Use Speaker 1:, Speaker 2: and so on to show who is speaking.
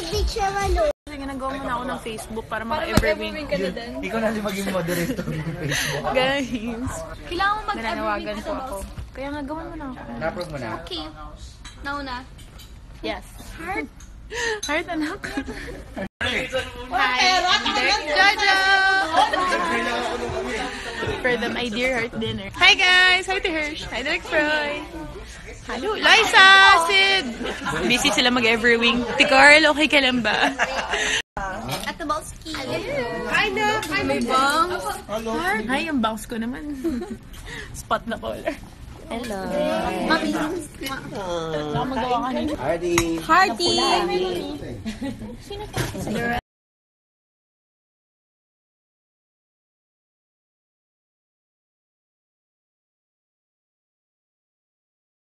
Speaker 1: Kasi nagawa mo na ako ng Facebook para maka-everwing
Speaker 2: ka na din.
Speaker 3: Ikaw na maging moderator ng Facebook.
Speaker 1: Guys,
Speaker 2: Kailangan mo mag-evergreen
Speaker 1: nananawagan
Speaker 2: ka
Speaker 1: po
Speaker 2: na,
Speaker 1: ako.
Speaker 2: boss.
Speaker 1: Kaya nga, gawan mo na ako.
Speaker 3: Na-approve mo na?
Speaker 2: Okay. Nauna.
Speaker 1: Yes.
Speaker 2: Heart.
Speaker 1: Heart, anak.
Speaker 2: Hi.
Speaker 1: Direct Jojo! For the My Dear Heart dinner. Hi guys! Hi to Hirsch! Hi Direct Froy! Hello! Liza! Sid! Busy sila mag-everwing. Ticarl, okay ka lang ba?
Speaker 2: At the Balski.
Speaker 1: Hi na! Hi,
Speaker 2: May bangs.
Speaker 1: Hi, ang bangs ko naman. Spot na color.
Speaker 4: Hello.
Speaker 2: Mami.
Speaker 1: Baka magawa ka nito.
Speaker 3: Hardy!
Speaker 2: Hearty.